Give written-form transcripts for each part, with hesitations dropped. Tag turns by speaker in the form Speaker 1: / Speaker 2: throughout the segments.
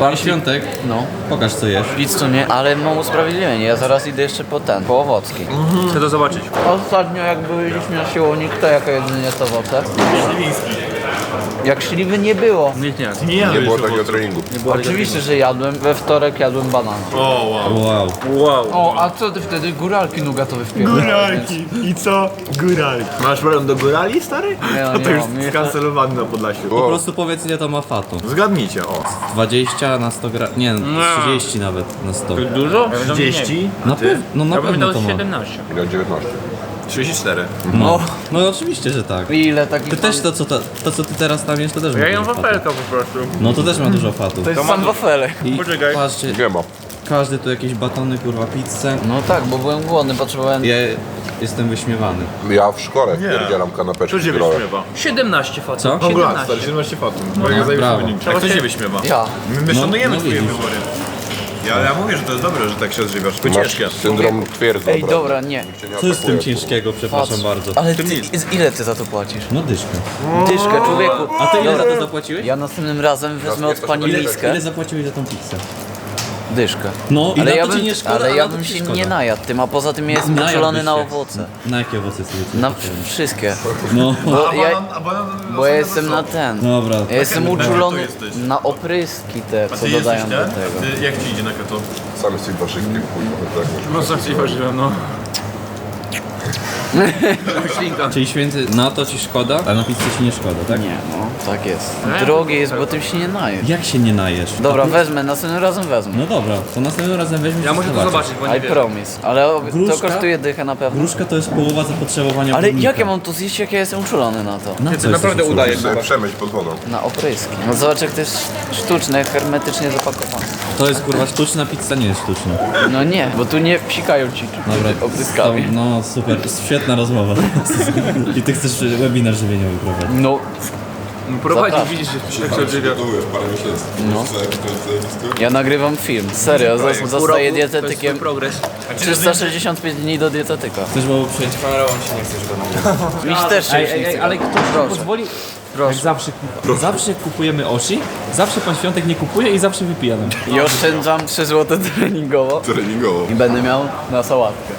Speaker 1: Pan Świątek,
Speaker 2: No.
Speaker 1: pokaż co jesz.
Speaker 2: Pizzu nie, ale mam usprawiedliwienie, ja zaraz idę jeszcze po owocki.
Speaker 3: Chcę to zobaczyć.
Speaker 2: Ostatnio jak byliśmy na siłowni, kto jaka jedynie jest owoce? Jak śliwy nie było.
Speaker 3: Nic nie.
Speaker 4: Nie było takiego treningu.
Speaker 2: Oczywiście, że jadłem. We wtorek jadłem banana.
Speaker 4: O, wow.
Speaker 1: Wow.
Speaker 3: Wow.
Speaker 2: O, a co ty wtedy? Góralki nugatowe wpierdolałeś.
Speaker 4: Góralki. I co? Góralki. Masz problem do górali, stary?
Speaker 2: Nie, no,
Speaker 4: To
Speaker 2: nie
Speaker 4: już
Speaker 2: mam.
Speaker 4: skancelowany na Podlasiu.
Speaker 1: Po prostu powiedz ile to ma fatu.
Speaker 4: Zgadnijcie, o.
Speaker 1: 20 na 100 gram. Nie, 30 nawet na 100.
Speaker 3: Dużo?
Speaker 4: 30?
Speaker 1: Na pewno, no na
Speaker 3: Ja bym
Speaker 1: pewno
Speaker 3: dał
Speaker 1: to ma.
Speaker 3: 17.
Speaker 5: Ile 19?
Speaker 4: 34.
Speaker 1: No, no oczywiście, że tak.
Speaker 2: Ile takich...
Speaker 1: Ty też to co ty teraz tam jesz, to też ma
Speaker 3: Ja jem
Speaker 1: dużo fatu.
Speaker 3: wafelka po prostu.
Speaker 1: No to też ma dużo fatu.
Speaker 2: To jest sam wafelek.
Speaker 1: I
Speaker 3: Poczekaj.
Speaker 1: patrzcie,
Speaker 5: Nie ma.
Speaker 1: każdy tu jakieś batony, kurwa, pizzę.
Speaker 2: No tak, bo byłem głodny, potrzebowałem...
Speaker 1: Ja jestem wyśmiewany.
Speaker 5: Ja w szkole wpierdzielam kanapeczki
Speaker 4: Co cię
Speaker 5: growe.
Speaker 4: wyśmiewa?
Speaker 3: 17 fatów.
Speaker 1: Co?
Speaker 4: Kongrats, stary, 17 fatów. Mega
Speaker 1: brawo.
Speaker 4: wynik. A kto cię wyśmiewa?
Speaker 2: Ja.
Speaker 4: My
Speaker 1: No,
Speaker 4: szanujemy
Speaker 1: no
Speaker 4: twoje
Speaker 1: widzisz.
Speaker 4: wybory. Ja mówię, że to jest dobre, że tak się odżywiasz. To ciężkie.
Speaker 5: Masz syndrom twierdzy.
Speaker 2: Ej, dobra, nie.
Speaker 1: Co jest w tym ciężkiego, przepraszam bardzo?
Speaker 2: Ale ty, ile ty za to płacisz?
Speaker 1: No dyszkę.
Speaker 2: Dyszkę, człowieku.
Speaker 1: A ty ile za
Speaker 2: Dobra,
Speaker 1: to zapłaciłeś?
Speaker 2: ja następnym razem wezmę od pani miskę.
Speaker 1: Ile zapłaciłeś za tą pizzę?
Speaker 2: Dyszkę.
Speaker 1: No i
Speaker 2: Ale
Speaker 1: na
Speaker 2: ja
Speaker 1: to ci
Speaker 2: bym,
Speaker 1: nie szkoda,
Speaker 2: ale
Speaker 1: a
Speaker 2: ja
Speaker 1: na to
Speaker 2: bym
Speaker 1: ci
Speaker 2: się
Speaker 1: szkoda.
Speaker 2: nie najadł tym, a poza tym ja jestem
Speaker 1: Najadłbyś
Speaker 2: uczulony na
Speaker 1: się.
Speaker 2: owoce.
Speaker 1: Na jakie owoce sobie
Speaker 2: Na wszystkie.
Speaker 1: No.
Speaker 2: Bo ja,
Speaker 4: banan
Speaker 2: bo ja jestem na ten.
Speaker 1: Dobra.
Speaker 2: Ja jestem
Speaker 4: Keto
Speaker 2: uczulony
Speaker 4: jesteś.
Speaker 2: na opryski te, co dodają do tego.
Speaker 4: Jak ci idzie na keto?
Speaker 5: Sam jesteś warzywkiem, kurwa. Tak,
Speaker 4: No sam ci ważyłem, no.
Speaker 1: Czyli święty, na to ci szkoda, a na pizzę ci nie szkoda, tak?
Speaker 2: Nie, no, tak jest. Drogie jest, bo tym się nie najesz.
Speaker 1: Jak się nie najesz?
Speaker 2: Dobra, wezmę, następnym razem wezmę.
Speaker 1: No dobra, to następnym razem weźmiesz
Speaker 3: Ja
Speaker 1: i
Speaker 3: muszę to zobaczyć, bo nie
Speaker 2: I
Speaker 3: wiem.
Speaker 2: promise. Ale to
Speaker 1: Gruszka?
Speaker 2: kosztuje dychę na pewno.
Speaker 1: Gruszka to jest połowa zapotrzebowania
Speaker 2: Ale
Speaker 1: górnika.
Speaker 2: jak ja mam to zjeść, jak ja jestem uczulony na to?
Speaker 1: Na
Speaker 3: Ty
Speaker 1: co
Speaker 3: naprawdę
Speaker 1: jesteś
Speaker 3: udajesz.
Speaker 1: uczulony?
Speaker 5: Sobie przemyć pod wodą.
Speaker 2: Na opryski. No zobacz, jak to jest sztuczne, hermetycznie zapakowane.
Speaker 1: To jest kurwa sztuczna pizza, nie jest sztuczna.
Speaker 2: No nie, bo tu nie psikają ci
Speaker 1: Dobra,
Speaker 2: opryskami.
Speaker 1: no super, świetna rozmowa. I ty chcesz webinar żywieniowy prowadzić.
Speaker 2: No,
Speaker 3: Prowadzi,
Speaker 2: Zapraszam.
Speaker 3: widzisz, jak się odżywia.
Speaker 5: Parę miesięcy.
Speaker 2: No. ja nagrywam film. Serio, zostaję
Speaker 3: To jest
Speaker 2: dietetykiem.
Speaker 3: progres.
Speaker 2: 365 dni do dietetyka.
Speaker 1: Chcesz było przyjąć
Speaker 3: Kamerą się nie chcesz go
Speaker 2: Miś też się już nie chce.
Speaker 1: ale ktoś pozwoli?
Speaker 2: Proszę.
Speaker 1: Jak zawsze kupujemy oshi, zawsze pan Świątek nie kupuje i zawsze wypija nam.
Speaker 2: I oszczędzam 3 zł treningowo
Speaker 5: Treningowo.
Speaker 2: i będę miał na sałatkę.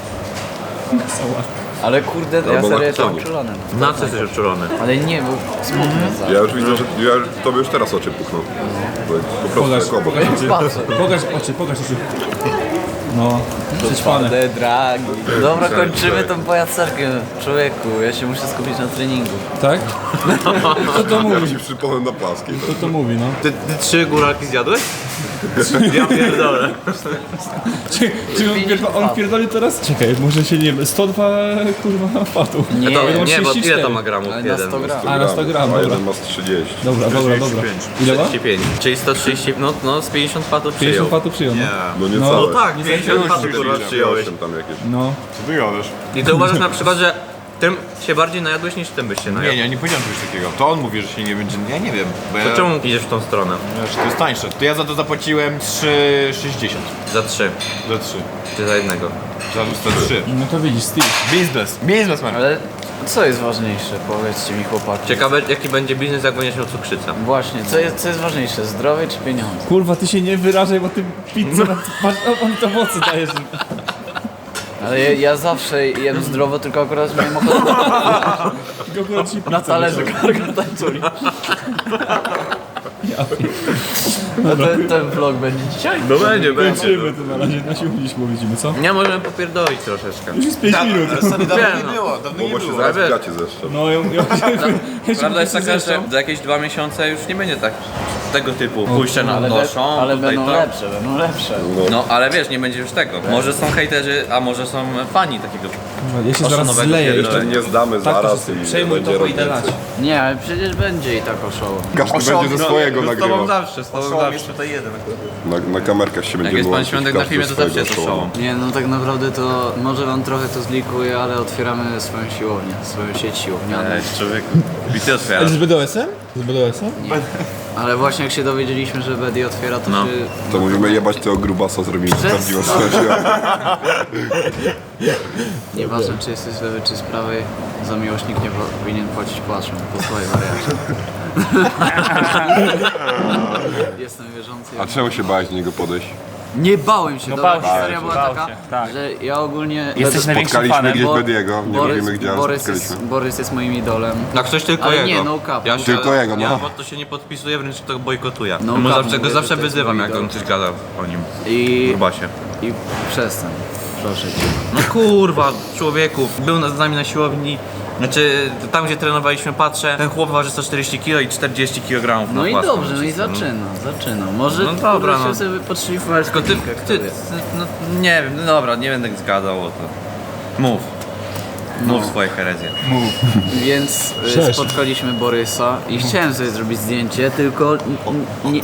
Speaker 2: Ale kurde, ja
Speaker 5: Albo na
Speaker 2: serio jestem
Speaker 5: kotonie.
Speaker 2: uczulony.
Speaker 3: Na co jesteś odczulony?
Speaker 2: Ale nie, bo smutno za.
Speaker 5: Ja już widzę, że tobie już teraz oczy puchną. Bo po prostu jak obok.
Speaker 2: Patrzę.
Speaker 1: Pokaż oczy. No, przećpane.
Speaker 2: Twarde dragi. Dobra, kończymy tą pajacerkę. Człowieku, ja się muszę skupić na treningu.
Speaker 1: Tak? Kto to
Speaker 5: Ja
Speaker 1: mówi?
Speaker 5: ci przypomnę na płaskiej.
Speaker 1: Kto to mówi, no?
Speaker 3: Ty 3 góralki zjadłeś? Ja pierdolę.
Speaker 1: Czy on pierdoli teraz? Czekaj, może się nie... 102 kurwa fatów.
Speaker 2: Nie,
Speaker 3: Nie, bo ile to ma gramów?
Speaker 2: ale na
Speaker 3: Jeden.
Speaker 2: 100 gram.
Speaker 1: A, na 100 gram,
Speaker 5: A
Speaker 1: dobra.
Speaker 5: jeden ma z 30.
Speaker 1: Dobra. Ile ma?
Speaker 3: 35. Czyli 130, no z 50 fatów
Speaker 1: 50
Speaker 3: przyjął.
Speaker 1: fatów przyjął, no.
Speaker 5: No nie
Speaker 1: No.
Speaker 5: całe.
Speaker 3: No tak, 50 fatów kurwa przyjąłeś.
Speaker 5: Tam jakieś.
Speaker 1: No.
Speaker 4: Co ty gadasz?
Speaker 3: I ty uważasz na przykład, że tym się bardziej najadłeś niż tym byś się najadł.
Speaker 4: Nie, nie powiedziałem czegoś takiego. To on mówi, że się nie będzie... Ja nie wiem. Bo ja...
Speaker 3: To czemu idziesz w tą stronę?
Speaker 4: Znaczy, to jest tańsze. To ja za to zapłaciłem 3,60.
Speaker 3: Za 3,
Speaker 4: Za 3.
Speaker 3: czy za jednego?
Speaker 4: Za 3.
Speaker 1: No to widzisz, Steve.
Speaker 4: Biznes, man.
Speaker 2: Ale co jest ważniejsze? Powiedzcie mi, chłopaki.
Speaker 3: Ciekawe jaki będzie biznes, jak będziesz miał cukrzycę.
Speaker 2: Właśnie, co jest ważniejsze? Zdrowie czy pieniądze?
Speaker 1: Kurwa, ty się nie wyrażaj, bo ty pizzę on to mocy dajesz.
Speaker 2: Ale ja zawsze jem zdrowo, tylko akurat miałem ochotę na talerzu tańculi. No ten vlog będzie dzisiaj?
Speaker 3: No będzie,
Speaker 1: Kończymy to na razie, na siłowni mówimy, co?
Speaker 3: Nie, możemy popierdolić troszeczkę.
Speaker 1: Już jest 5 minut.
Speaker 4: Sorry, dawno
Speaker 3: Wiem,
Speaker 4: nie
Speaker 3: no.
Speaker 4: było, dawno
Speaker 5: Bo
Speaker 4: nie
Speaker 5: się
Speaker 4: było.
Speaker 5: zaraz
Speaker 3: wiesz.
Speaker 5: gacie zeszczą.
Speaker 1: No, ja
Speaker 3: Prawda jest taka, że za jakieś 2 miesiące już nie będzie tak tego typu pójście na noszą,
Speaker 2: ale
Speaker 3: tutaj
Speaker 2: będą
Speaker 3: to.
Speaker 2: lepsze, będą lepsze.
Speaker 3: No ale wiesz, nie będzie już tego. Może są hejterzy, a może są fani takiego.
Speaker 1: Ja się zaraz
Speaker 3: nowego
Speaker 1: zleję
Speaker 3: pierdolę.
Speaker 1: jeszcze.
Speaker 5: Nie zdamy zaraz i
Speaker 1: Przejmuj
Speaker 5: będzie
Speaker 1: to, bo idę
Speaker 5: robić.
Speaker 1: lać.
Speaker 2: Nie, ale przecież będzie i tak oszoło.
Speaker 5: Każdy będzie ze swojego nagrywał.
Speaker 3: zawsze, z tobą zawsze.
Speaker 4: tutaj jeden.
Speaker 5: Na kamerkach się
Speaker 3: Jak
Speaker 5: będzie
Speaker 3: jest pan
Speaker 5: łączyć,
Speaker 3: Świątek na
Speaker 5: każdy
Speaker 3: filmie, to
Speaker 5: swojego
Speaker 3: zawsze jest
Speaker 5: show.
Speaker 3: oszałom.
Speaker 2: Nie, no tak naprawdę to może wam trochę to zlikuję, ale otwieramy swoją siłownię, swoją sieć siłownianą.
Speaker 3: Człowieku. I ty otwierasz.
Speaker 1: Z BDS-em? Z BDS-em?
Speaker 2: Ale właśnie jak się dowiedzieliśmy, że Bedi otwiera, to
Speaker 3: No.
Speaker 2: się...
Speaker 5: To mówimy jebać tego grubasa, zrobimy prawdziwą sytuację.
Speaker 2: Nieważne czy jesteś z lewej czy z prawej, za miłośnik nie powinien płacić płaczem po swojej wariacie. Jestem wierzący.
Speaker 5: A czemu się bałeś do niego podejść?
Speaker 2: Nie bałem się, dobra,
Speaker 1: bał się,
Speaker 2: historia była
Speaker 1: bał
Speaker 2: taka,
Speaker 1: się, tak.
Speaker 2: że ja ogólnie...
Speaker 1: Jesteś największym
Speaker 5: Spotkaliśmy
Speaker 1: fanem.
Speaker 5: gdzieś Bediego, nie mówimy gdzie, ale spotkaliśmy.
Speaker 2: Borys jest moim idolem.
Speaker 3: Jak coś tylko
Speaker 2: Ale
Speaker 3: jego.
Speaker 2: nie, no cap.
Speaker 3: Ja się,
Speaker 5: Tylko jego, no.
Speaker 3: Ja pod to się nie podpisuję, wręcz to bojkotuję.
Speaker 2: No
Speaker 3: Mu
Speaker 2: cap,
Speaker 3: zawsze, go
Speaker 2: mówię,
Speaker 3: zawsze
Speaker 2: że to jest
Speaker 3: wyzywam,
Speaker 2: mój
Speaker 3: jak
Speaker 2: idol.
Speaker 3: on coś gada o nim.
Speaker 2: I...
Speaker 3: Grubasie.
Speaker 2: I przestań. Proszę cię.
Speaker 3: No kurwa, człowieku, był z nami na siłowni. Znaczy, tam gdzie trenowaliśmy, patrzę, ten chłop waży 140 kg i 40 kg
Speaker 2: No
Speaker 3: na
Speaker 2: i
Speaker 3: płaską.
Speaker 2: dobrze, no i zaczyna. Może
Speaker 3: No dobra,
Speaker 2: kurde,
Speaker 3: no.
Speaker 2: się sobie podszlifować.
Speaker 3: Tylko ty, no nie wiem, no dobra, nie będę zgadał o to. Mów. Mów swoje herezje.
Speaker 2: Więc spotkaliśmy Borysa i chciałem sobie zrobić zdjęcie, tylko nie...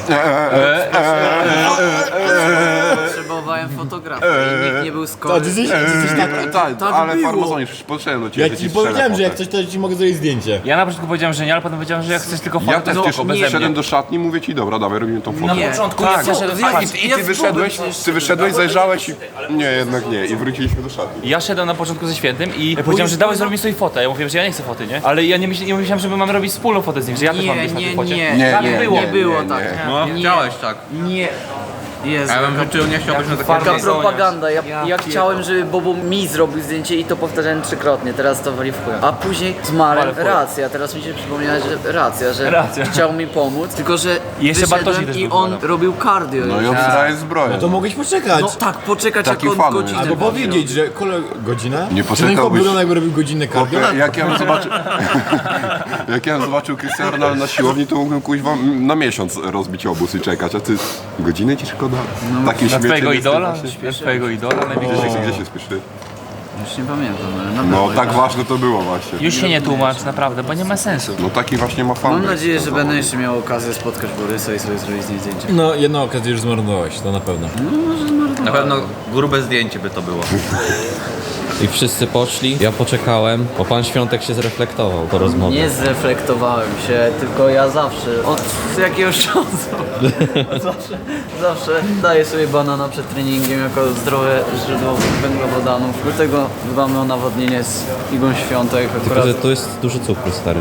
Speaker 2: Potrzebowałem fotografii i nikt nie był skory.
Speaker 5: Tak,
Speaker 2: Tak
Speaker 5: ale
Speaker 2: było.
Speaker 5: farmazonie, podszedłem do ciebie.
Speaker 4: Ja ci powiedziałem, że jak coś, to ci mogę zrobić zdjęcie.
Speaker 1: Ja na początku powiedziałem, że nie, ale potem powiedziałem, że jak chcesz tylko
Speaker 5: Ja
Speaker 1: fotę,
Speaker 5: też
Speaker 1: to
Speaker 5: przecież
Speaker 1: spoko, beze
Speaker 5: szedłem
Speaker 1: mnie.
Speaker 5: do szatni, mówię ci, dobra, dawaj, robimy tą fotę.
Speaker 2: Nie.
Speaker 1: początku
Speaker 2: Tak.
Speaker 1: ja szedłem, patrz,
Speaker 5: I ty wyszedłeś, zajrzałeś i... Nie, jednak nie. I wróciliśmy do szatni.
Speaker 1: ja szedłem na początku ze Świętym i powiedziałem, że dawaj zrobimy sobie fotę. Ja mówiłem, że ja nie chcę foty, nie? Ale ja nie myślałem, że my mamy robić wspólną fotę z nim, że ja też mam być na tej focie.
Speaker 2: Nie było tak.
Speaker 3: No,
Speaker 2: Nie.
Speaker 3: chciałeś tak.
Speaker 2: Nie. Jezu,
Speaker 3: A ja bym życzył, nie chciałbyś na takie
Speaker 2: taka
Speaker 1: Farmazoniarz.
Speaker 2: propaganda. Ja chciałem, żeby Bobo mi zrobił zdjęcie i to powtarzałem trzykrotnie, teraz to wali w chuj. A później z Marem, racja, teraz mi się przypomniała, że racja, że
Speaker 1: Racja.
Speaker 2: chciał mi pomóc, tylko że
Speaker 1: I jeszcze Bartosik
Speaker 2: wyszedłem
Speaker 1: też
Speaker 2: i
Speaker 1: był
Speaker 2: on
Speaker 1: fanem.
Speaker 2: robił cardio.
Speaker 5: No i
Speaker 2: już.
Speaker 5: obsraje zbroję.
Speaker 4: To mogłeś poczekać.
Speaker 2: No tak, poczekać
Speaker 5: Takim
Speaker 2: jak on
Speaker 5: fanem
Speaker 2: godzinę.
Speaker 4: Albo
Speaker 2: będzie
Speaker 4: powiedzieć, że godzinę?
Speaker 5: Nie
Speaker 4: Czy ten
Speaker 5: poczekałbyś.
Speaker 4: chłop wygląda jakby robił godzinne cardio?
Speaker 5: Jak ja bym zobaczył... Jak ja bym zobaczył Cristiano Ronaldo na siłowni, to mógłbym kuźwa na miesiąc rozbić obóz i czekać, a ty... Godzinę ci szkoda? Takie
Speaker 1: Na
Speaker 5: śmiecie
Speaker 1: twojego
Speaker 5: nie
Speaker 1: idola?
Speaker 5: jesteś
Speaker 1: Na twojego idola?
Speaker 5: Gdzie się spieszyłeś?
Speaker 2: Już nie pamiętam, ale na
Speaker 5: No
Speaker 2: pewno.
Speaker 5: tak ważne to było właśnie.
Speaker 1: Już się nie tłumacz, naprawdę, bo nie ma sensu.
Speaker 5: No taki właśnie ma fan.
Speaker 2: Mam nadzieję, że będę jeszcze miał okazję spotkać Borysa i sobie zrobić z nim zdjęcie.
Speaker 4: No, jedną okazję już zmarnowałeś, to na pewno.
Speaker 3: Na pewno grube zdjęcie by to było.
Speaker 6: I wszyscy poszli, ja poczekałem, bo pan Świątek się zreflektował po rozmowie.
Speaker 2: Nie zreflektowałem się, tylko ja zawsze, od jakiegoś czasu, zawsze daję sobie banana przed treningiem jako zdrowe źródło węglowodanów. Do tego dbamy o nawodnienie z igłą Świątek
Speaker 6: Tylko,
Speaker 2: akurat.
Speaker 6: że tu jest dużo cukru, stary.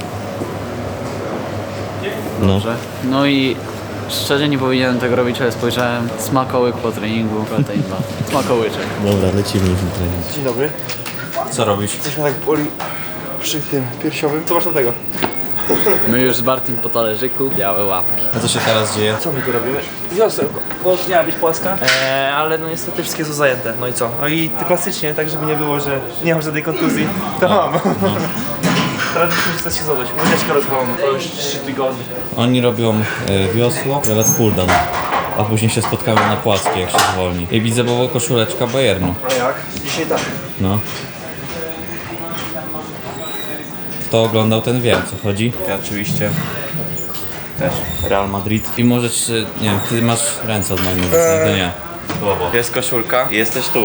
Speaker 6: No.
Speaker 2: No i szczerze nie powinienem tego robić, ale spojrzałem, smakołyk po treningu, protein 2. Smakołyczek.
Speaker 6: Dobra, lecimy już na trening.
Speaker 7: Dzień dobry.
Speaker 6: Co robisz?
Speaker 7: Coś mnie tak boli przy tym piersiowym. Co masz do tego?
Speaker 2: My już z Bartim po talerzyku, białe łapki.
Speaker 6: A co się teraz dzieje?
Speaker 7: Co my tu robimy?
Speaker 8: Wiosełko, bo miała być płaska, ale no niestety wszystkie są zajęte, no i co? No i to klasycznie, tak żeby nie było, że nie mam żadnej kontuzji, to mam. Teraz musimy stać się zadać, łyżeczkę rozwaloną, to już 3 tygodnie.
Speaker 6: Oni robią wiosło, ja lat pulldown. A później się spotkamy na płaskiej, jak się zwolni. I widzę, bo koszuleczka Bayernu.
Speaker 8: A jak? Dzisiaj tak.
Speaker 6: No. Kto oglądał, ten wie, o co chodzi.
Speaker 8: Ja oczywiście też.
Speaker 6: Real Madrid. I możesz, nie wiem, ty masz ręce od mojego to nie.
Speaker 3: Jest koszulka i jesteś tu.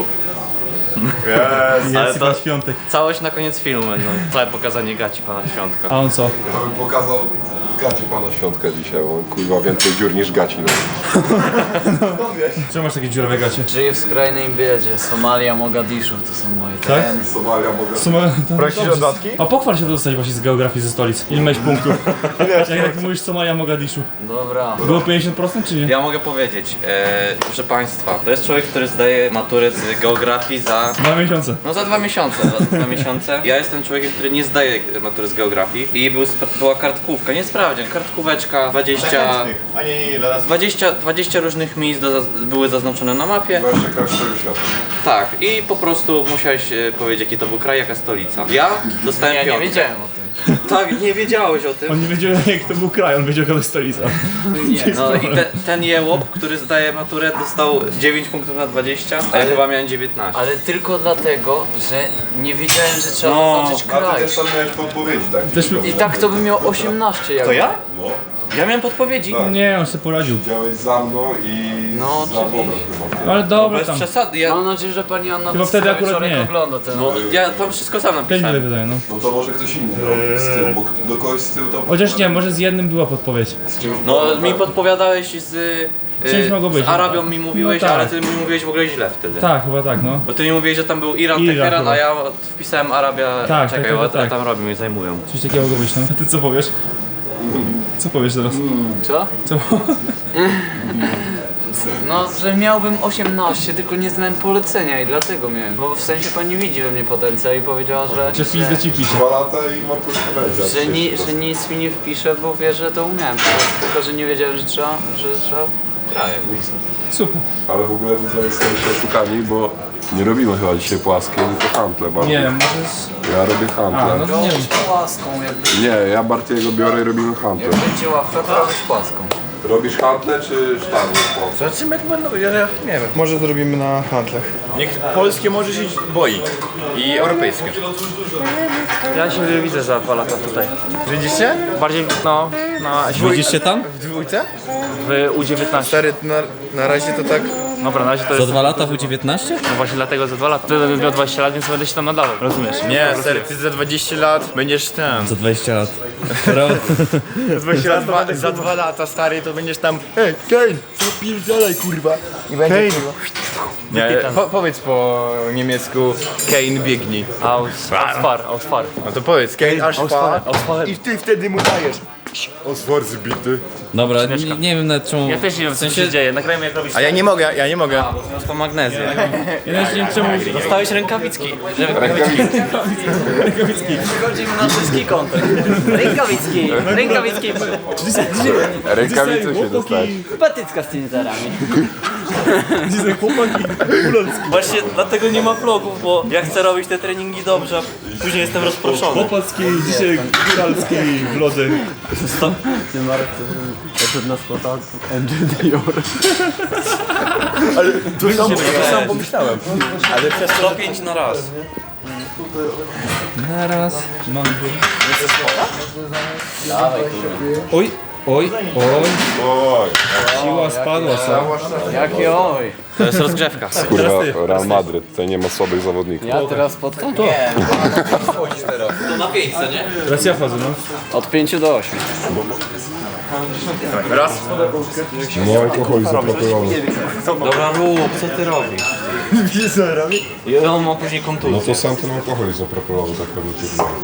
Speaker 1: Ale to Świątek.
Speaker 3: Całość na koniec filmu będą. Całe pokazanie gaci pana Świątka.
Speaker 1: A on co?
Speaker 5: Ja bym pokazał gaci pana Świątka dzisiaj, bo kurwa więcej dziur niż gaci. No.
Speaker 1: Czemu masz takie dziurowe gacie?
Speaker 2: Żyję w skrajnej biedzie, Somalia, Mogadiszu to są moje trendy.
Speaker 5: Somalia mogę...
Speaker 1: Prosisz o dodatki? A pochwal się dostać właśnie z geografii ze stolic. Ile miałeś punktów? Jak mówisz Somalia, Mogadiszu.
Speaker 2: Dobra.
Speaker 1: Było 50% czy nie?
Speaker 3: Ja mogę powiedzieć, proszę państwa, to jest człowiek, który zdaje maturę z geografii za...
Speaker 1: 2 miesiące.
Speaker 3: No za 2 miesiące, za 2 miesiące. Ja jestem człowiekiem, który nie zdaje matury z geografii i była kartkówka, nie sprawdzian, kartkóweczka, 20 różnych miejsc były zaznaczone na mapie.
Speaker 5: To jeszcze kraj całego świata.
Speaker 3: Tak, i po prostu musiałeś powiedzieć, jaki to był kraj, jaka stolica. Ja dostałem
Speaker 2: Ja nie
Speaker 3: piątkę.
Speaker 2: wiedziałem o tym.
Speaker 3: Tak, nie wiedziałeś o tym.
Speaker 1: On nie wiedział jak to był kraj, on wiedział jaka to jest stolica.
Speaker 3: No i ten jełop, który zdaje maturę, dostał 9 punktów na 20, a ja chyba miałem 19.
Speaker 2: Ale tylko dlatego, że nie wiedziałem, że trzeba
Speaker 3: No,
Speaker 2: zaznaczyć
Speaker 5: A ty
Speaker 2: kraj.
Speaker 5: też tam miałeś podpowiedzi, tak?
Speaker 1: Też
Speaker 2: I tak to by miał 18 jak.
Speaker 3: To ja? Ja miałem podpowiedzi.
Speaker 1: nie, on sobie poradził.
Speaker 5: Działałeś za mną i
Speaker 2: No,
Speaker 5: za Bobem chyba.
Speaker 1: Ale dobra
Speaker 3: Bez
Speaker 1: tam.
Speaker 3: przesady, ja,
Speaker 2: Mam nadzieję, że pani Anna
Speaker 1: Chyba wtedy
Speaker 2: cały
Speaker 1: akurat
Speaker 2: wieczorek
Speaker 1: nie.
Speaker 2: ogląda ten.
Speaker 3: no, ja tam wszystko sam
Speaker 1: 5
Speaker 3: napisałem.
Speaker 1: wydaje, no.
Speaker 5: No to może ktoś inny robił z tyłu, bo do kogoś z tyłu to...
Speaker 1: Chociaż nie, może z jednym była podpowiedź.
Speaker 3: No mi podpowiadałeś
Speaker 1: Czymś mogło być.
Speaker 3: z Arabią mi mówiłeś,
Speaker 1: No tak.
Speaker 3: ale ty mi mówiłeś w ogóle źle wtedy.
Speaker 1: Tak, chyba tak, no.
Speaker 3: Bo ty mi mówiłeś, że tam był Iran,
Speaker 1: Iran
Speaker 3: Teheran,
Speaker 1: chyba.
Speaker 3: a ja wpisałem Arabia.
Speaker 1: Tak,
Speaker 3: Czekaj,
Speaker 1: tak,
Speaker 3: what
Speaker 1: tak.
Speaker 3: tam robią i zajmują.
Speaker 1: Coś takiego mogło być, no. A ty co powiesz? Co powiesz teraz?
Speaker 2: Co?
Speaker 1: Co?
Speaker 2: No, że miałbym 18, tylko nie znałem polecenia i dlatego miałem. Bo w sensie pani widzi we mnie potencjał i powiedziała,
Speaker 1: Że pizdę ci pisze.
Speaker 5: 2 lata i maturka będzie.
Speaker 2: że nic mi nie wpisze, bo wie, że to umiałem. Po prostu, tylko, że nie wiedziałem, że trzeba krajek.
Speaker 1: Super.
Speaker 5: Ale w ogóle wy jesteście oszukani, bo nie robimy chyba dzisiaj płaskiej, tylko handle bardziej.
Speaker 1: Nie, może...
Speaker 5: Ja robię handle.
Speaker 1: no to nie wiem.
Speaker 2: Płaską, jakby
Speaker 5: Nie, ja Bartiego biorę i robimy handle.
Speaker 2: będzie ławka, to robić płaską.
Speaker 5: Robisz handle czy sztangę?
Speaker 4: Zobaczymy jak będą, ja nie wiem.
Speaker 7: Może zrobimy na handlach.
Speaker 4: Niech polskie może się boi. I europejskie.
Speaker 8: Ja się widzę za 2 lata tutaj.
Speaker 4: Widzicie?
Speaker 8: Bardziej, no, na
Speaker 6: Widzisz się tam?
Speaker 4: W dwójce?
Speaker 8: w U19.
Speaker 4: Stary, na razie to tak...
Speaker 8: Dobra, na razie to
Speaker 6: Za
Speaker 8: jest...
Speaker 6: 2 lata w U19?
Speaker 8: No właśnie dlatego za 2 lata. Wtedy bym miał 20 lat, więc będę się tam nadawał, rozumiesz?
Speaker 4: Nie, stary, ty za 20 lat będziesz ten.
Speaker 6: Za 20 lat.
Speaker 4: Za 2 lata, stary, to będziesz tam... Hej, Kane, zapierdalaj, kurwa. I będzie kurwa. Nie, powiedz po niemiecku Kane biegnij.
Speaker 8: Ausfar.
Speaker 4: No to powiedz, Kane aż fa.
Speaker 8: Ausfar.
Speaker 4: I ty wtedy mu dajesz.
Speaker 5: Oswar zbity.
Speaker 6: Dobra, nie wiem nawet czemu...
Speaker 8: Ja też nie wiem, co się dzieje. Nagrajmy jak robisz.
Speaker 4: A ja nie mogę.
Speaker 6: To magnezję.
Speaker 1: Ja nawet nie wiem czemu...
Speaker 6: Dostałeś rękawiczki.
Speaker 2: Chodzimy na wszystki kontent. Rękawicki.
Speaker 5: Rękawice się dostać.
Speaker 2: Patycka z tymi zarami.
Speaker 1: Dzisiaj chłopaki ulolski.
Speaker 3: Właśnie dlatego nie ma vlogów, bo ja chcę robić te treningi dobrze, a później jestem rozproszony.
Speaker 1: Chłopackiej, dzisiaj góralskiej vlodze.
Speaker 2: Ty Marek, to na spota MJ Dior.
Speaker 4: To sam pomyślałem. Ale przez to...
Speaker 3: 105 na raz.
Speaker 1: Oj, oj, oj.
Speaker 5: Oj,
Speaker 1: Siła spadła, co?
Speaker 2: Jakie oj.
Speaker 3: To jest rozgrzewka.
Speaker 5: kurwa, Real Madryt, tutaj nie ma słabych zawodników.
Speaker 2: Ja teraz spotkam?
Speaker 3: To na 500, nie?
Speaker 1: Teraz ja wchodzę, no.
Speaker 2: Od 5 do 8.
Speaker 4: Raz.
Speaker 5: No alkohol zaproponował.
Speaker 3: Dobra, rób, co ty robisz?
Speaker 4: Wiesz co robi?
Speaker 3: I on ma później
Speaker 5: No
Speaker 3: kontuzję.
Speaker 5: to sam ten alkohol zaproponował, tak pewnie ci było.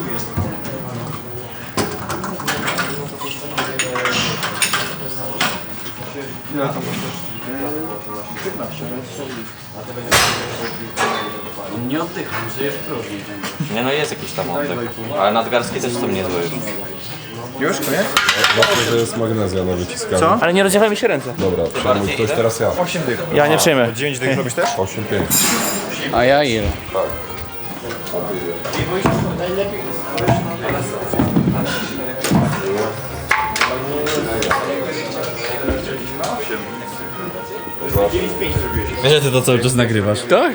Speaker 2: Nie oddycham, żyję w próżni.
Speaker 3: Nie no, jest jakiś tam oddech. Ale nadgarstki też są niezłe już.
Speaker 4: Już, koniec?
Speaker 5: Znaczy, że jest magnezja na wyciskaniu. Co?
Speaker 8: Ale nie rozdzielaj mi się ręce.
Speaker 5: Dobra, przejmuj ktoś teraz ja.
Speaker 4: 8 dych.
Speaker 8: Ja nie przyjmę.
Speaker 4: 9 dych robisz też?
Speaker 5: 8-5.
Speaker 2: A ja ile?
Speaker 6: Wiesz, że ty to cały czas nagrywasz.
Speaker 2: Tak?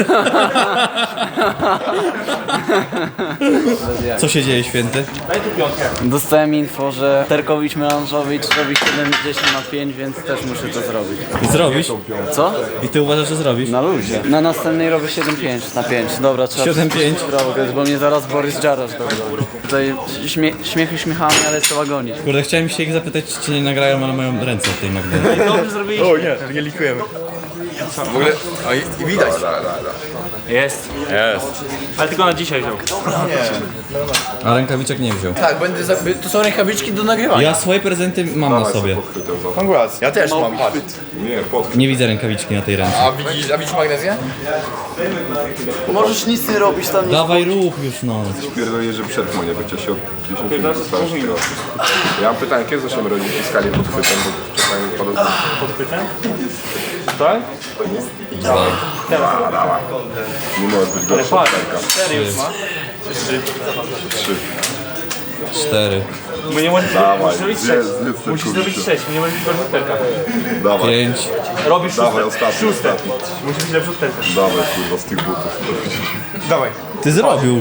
Speaker 6: Co się dzieje, święty?
Speaker 2: Dostałem info, że Terkowicz Melanżowicz robi 70 na 5, więc też muszę to zrobić.
Speaker 6: Zrobisz?
Speaker 2: Co?
Speaker 6: I ty uważasz, że zrobisz?
Speaker 2: Na luzie. Na następnej robię 7,5 na 5. Dobra, trzeba
Speaker 6: 7,5.
Speaker 2: bo mnie zaraz Borys Jarasz dogoni. Tutaj śmiechy śmiechami, ale trzeba gonić.
Speaker 6: Kurde, chciałem się ich zapytać, czy cię nie nagrają, ale mają ręce w tej magnezie.
Speaker 2: Dobrze zrobiliśmy.
Speaker 4: O nie, to nie likujemy. W ogóle, o, i widać.
Speaker 8: Jest.
Speaker 4: Jest.
Speaker 8: Ale tylko na dzisiaj wziął.
Speaker 6: A rękawiczek nie wziął.
Speaker 4: Tak, to są rękawiczki do nagrywania.
Speaker 6: Ja swoje prezenty mam na sobie.
Speaker 4: Congrats. Ja też mam, patrz.
Speaker 5: Nie, pod...
Speaker 6: Nie widzę rękawiczki na tej ręce.
Speaker 4: A widzisz magnezję?
Speaker 2: Możesz nic nie robić tam, nie
Speaker 6: Dawaj rób już no.
Speaker 5: Pierdolę, że przetrwał, nie bycie się od 10 minut dostałeś kilo. Ja mam pytanie, kiedy zaczniemy robić fiskalię pod chwytem, bo czasami pada...
Speaker 8: Tak?
Speaker 5: Nie może być gorsza od Terka.
Speaker 8: 4 już ma.
Speaker 5: 3.
Speaker 6: 4,
Speaker 8: Bo nie możesz
Speaker 5: Dawaj,
Speaker 8: zrobić 6.
Speaker 5: zjedz te
Speaker 8: Musisz
Speaker 5: kurczę.
Speaker 8: zrobić 6, nie możesz być rzutterka.
Speaker 5: Dawaj,
Speaker 6: 5.
Speaker 8: Robisz
Speaker 5: dawaj,
Speaker 8: szóste.
Speaker 5: ostatni, ostatni.
Speaker 8: Musisz być lepszy od terka.
Speaker 5: Dawaj, kurwa, z tych butów.
Speaker 4: Dawaj.
Speaker 6: Ty zrobił.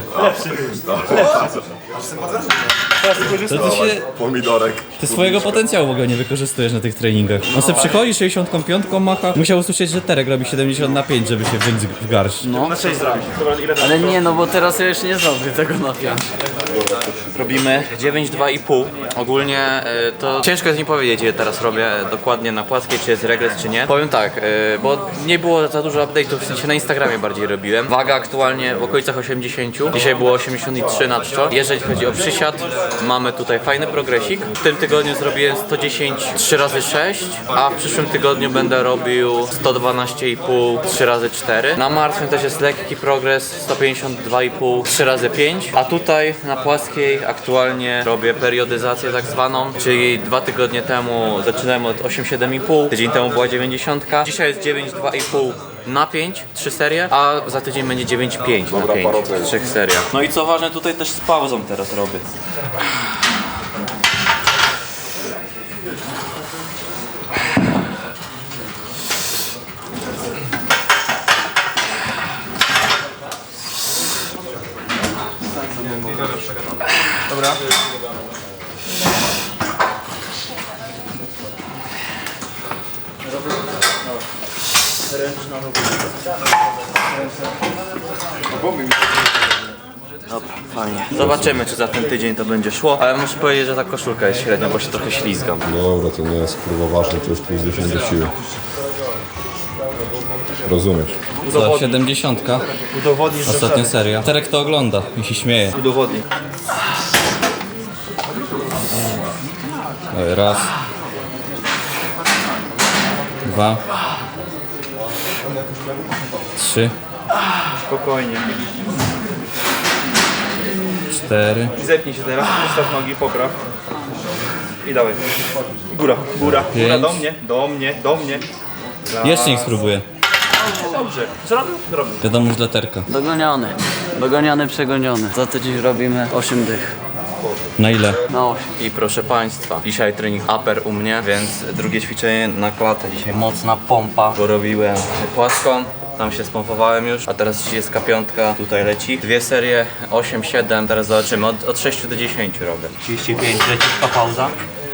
Speaker 8: Teraz wykorzystaj.
Speaker 6: To ty się...
Speaker 5: Pomidorek.
Speaker 6: Ty swojego potencjału w ogóle nie wykorzystujesz na tych treningach. On se przychodzi, 65 macha. Musiał usłyszeć, że Terek robi 70 na 5, żeby się wziąć w garść.
Speaker 8: Na 6 zrobisz. Dobra, ile
Speaker 2: Ale nie, no bo teraz ja już nie zrobię tego na 5.
Speaker 3: Robimy 9,2,5. Ogólnie to ciężko jest mi powiedzieć, ile teraz robię dokładnie na płaskiej, czy jest regres, czy nie. Powiem tak, bo nie było za dużo update'ów, w sensie na Instagramie bardziej robiłem. Waga aktualnie w okolicach 80. Dzisiaj było 83 na czczo. Jeżeli chodzi o przysiad, mamy tutaj fajny progresik. W tym tygodniu zrobiłem 110 3x6, a w przyszłym tygodniu będę robił 112,5 3x4. Na martwym też jest lekki progres, 152,5 3x5, a tutaj na płaskiej aktualnie robię periodyzację tak zwaną, czyli 2 tygodnie temu zaczynałem od 8,7,5, tydzień temu była 90, dzisiaj jest 9,2,5 na 5, 3 serie, a za tydzień będzie 9,5 na 5, 3 seriach. No i co ważne, tutaj też z pauzą teraz robię.
Speaker 7: Dobra.
Speaker 3: Dobra, fajnie. Zobaczymy, czy za ten tydzień to będzie szło, ale muszę powiedzieć, że ta koszulka jest średnia, bo się trochę ślizgam.
Speaker 5: Dobra, to nie jest kurwa ważne, to jest plus 10 do siły. Rozumiesz?
Speaker 6: Co, 70?
Speaker 7: Udowodnisz, że
Speaker 6: Ostatnia seria. Terek to ogląda i się śmieje.
Speaker 7: udowodnij.
Speaker 6: Raz. 2. 3.
Speaker 8: Spokojnie.
Speaker 6: 4.
Speaker 8: Zepnij się teraz, ustaw nogi, popraw. I dawaj. Góra, góra, góra,
Speaker 6: Pięć.
Speaker 8: do mnie, do mnie, do mnie.
Speaker 6: Jeszcze niech spróbuję.
Speaker 8: Dobrze. Co robił? Robił.
Speaker 6: Wiadomo, już dla Terka.
Speaker 2: Dogoniony, przegoniony. Za tydzień robimy 8 dych.
Speaker 6: Na ile?
Speaker 2: Na 8.
Speaker 3: I proszę Państwa, dzisiaj trening upper u mnie, więc drugie ćwiczenie na klatę. Dzisiaj mocna pompa, bo robiłem płaską. Tam się spompowałem już, a teraz 35 tutaj leci. 2 serie, 8-7, teraz zobaczymy, od 6 do 10 robię. 35, leciutka pauza.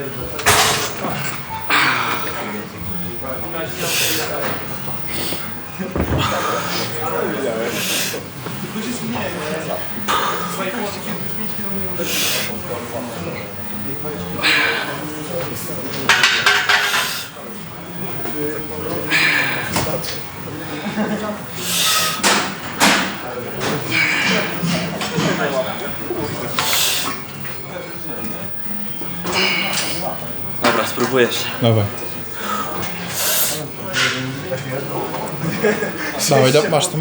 Speaker 3: Dobra, spróbujesz.
Speaker 7: Dawaj. Dawaj, masz to.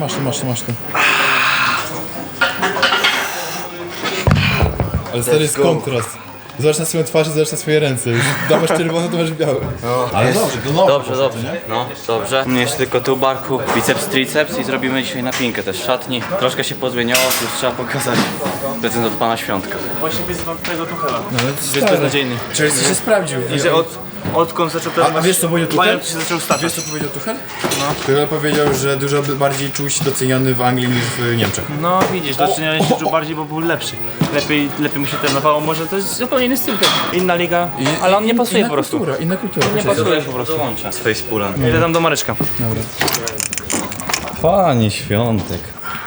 Speaker 7: Ale stary jest kontrast. Zobacz na swoją twarz i zobacz na swoje ręce. Już dawasz czerwone, to masz białe.
Speaker 6: Ale
Speaker 7: Dobrze, to nowe.
Speaker 3: Dobrze, dobrze. No, dobrze. Mnie jeszcze tylko tu barku, biceps, triceps i zrobimy dzisiaj napinkę też w szatni. Troszkę się pozmieniało, już trzeba pokazać prezent od pana Świątka.
Speaker 8: Właśnie wyzywam twojego Tuchela.
Speaker 7: Jest
Speaker 8: Jest beznadziejny.
Speaker 7: Czyli się sprawdził.
Speaker 8: Że odkąd zaczął ten
Speaker 7: A wiesz co powiedział Tuchel?
Speaker 8: Bayern się zaczął staczać.
Speaker 7: Wiesz co powiedział Tuchel? No. Tuchel powiedział, że dużo bardziej czuł się doceniony w Anglii niż w Niemczech.
Speaker 8: No widzisz, doceniany się czuł bardziej, bo był lepszy. Lepiej mu się trenowało, może to jest zupełnie inny styl. Inna liga, ale on nie pasuje po prostu.
Speaker 7: Inna kultura.
Speaker 8: Nie pasuje po prostu.
Speaker 3: Dołączę z facepulem.
Speaker 8: Idę tam do Mareczka.
Speaker 6: Panie Świątek.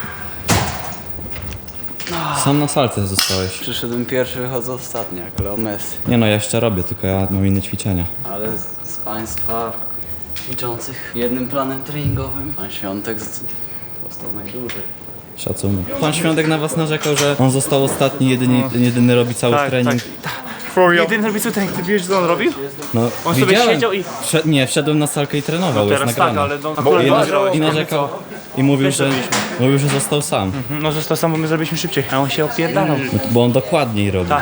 Speaker 6: Sam na salce zostałeś.
Speaker 2: Przyszedłem pierwszy, wychodzę ostatni, jak Leo Messi.
Speaker 6: Nie no, ja jeszcze robię, tylko ja mam inne ćwiczenia.
Speaker 2: Ale z Państwa liczących jednym planem treningowym, Pan Świątek został najdłużej.
Speaker 6: Szacunek. Pan Świątek na was narzekał, że on został ostatni, jedyny robi cały trening.
Speaker 8: Jedyny robi co trening, ty wiesz co on robił?
Speaker 6: No,
Speaker 8: On sobie
Speaker 6: widziałem.
Speaker 8: siedział i...
Speaker 6: Nie, wszedłem na salkę i trenował, jest
Speaker 8: Teraz
Speaker 6: nagrane.
Speaker 8: tak, ale no, akurat
Speaker 6: I narzekał i mówił, że został sam.
Speaker 8: No został sam, bo my zrobiliśmy szybciej, a on się opierdalał.
Speaker 6: No, bo on dokładniej robi.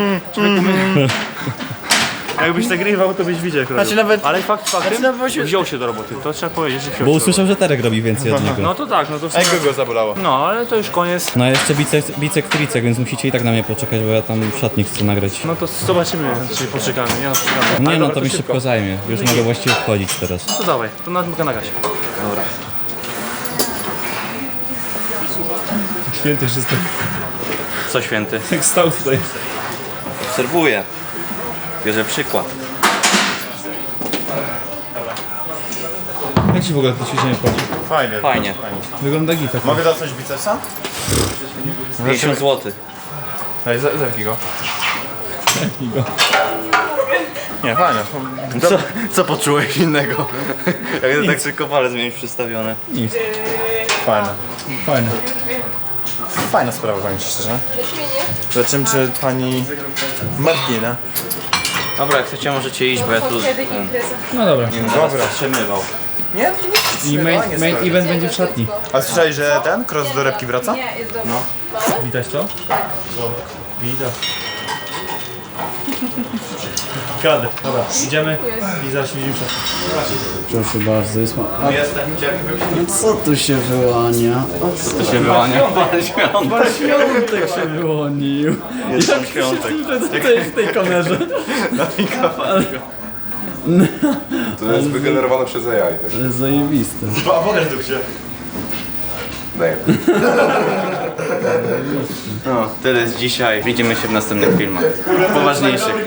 Speaker 8: Jakbyś nagrywał, to byś widział jak robił.
Speaker 7: nawet-
Speaker 8: Ale fakt faktem, wziął się do roboty, to trzeba powiedzieć, że wziął
Speaker 6: Bo
Speaker 8: się.
Speaker 6: usłyszał, że Terek robi więcej od niego.
Speaker 8: No to tak, no to w sumie...
Speaker 7: Ego go zabolało.
Speaker 8: No, ale to już koniec.
Speaker 6: No a jeszcze bicek, tricek, więc musicie i tak na mnie poczekać, bo ja tam w szatni chcę nagrać.
Speaker 8: No to zobaczymy, czy poczekamy, nie no, poczekamy.
Speaker 6: Nie
Speaker 8: Ale
Speaker 6: no,
Speaker 8: dobra,
Speaker 6: to mi
Speaker 8: szybko.
Speaker 6: szybko zajmie. Już mogę właściwie wchodzić teraz.
Speaker 8: To dawaj, to na gazie.
Speaker 1: Święty wszystko.
Speaker 3: Co święty?
Speaker 1: Jak stał tutaj.
Speaker 3: Obserwuję. Bierze przykład.
Speaker 1: Jak ci w ogóle to ćwiczenie wchodzi?
Speaker 7: Fajnie.
Speaker 3: Fajnie.
Speaker 1: Wygląda gita.
Speaker 7: Mogę zacząć bicepsa?
Speaker 3: 50 zł.
Speaker 7: Daj, zerknij go. Nie, fajnie.
Speaker 3: Co poczułeś innego? Jak tak tylko palec miałeś przystawione.
Speaker 7: Fajne.
Speaker 1: Fajne.
Speaker 7: Fajna sprawa, powiem ci szczerze.
Speaker 4: Zobaczymy, czy pani Martina.
Speaker 3: Dobra, jak chcecie możecie iść, bo ja tu
Speaker 1: No dobra.
Speaker 4: Dobra.
Speaker 3: się mywał.
Speaker 4: Nie, to nie
Speaker 1: I main event będzie w szatni.
Speaker 4: A słyszałeś, że ten cross do repki wraca?
Speaker 1: Widać to?
Speaker 8: Widać. Kradę. Dobra, idziemy i zaraz się widzimy w szatni.
Speaker 2: Proszę bardzo, jest ma...
Speaker 3: Jestem,
Speaker 2: Co tu się wyłania?
Speaker 3: to się wyłania.
Speaker 2: Świątek się wyłonił.
Speaker 3: Jestem świątek.
Speaker 2: Tutaj w tej kamerze.
Speaker 5: To jest wygenerowane przez AI. Tak?
Speaker 2: Ale zajebiste.
Speaker 4: A pokaż tu się.
Speaker 5: Daj.
Speaker 3: No, tyle z dzisiaj. Widzimy się w następnych filmach. Poważniejszych.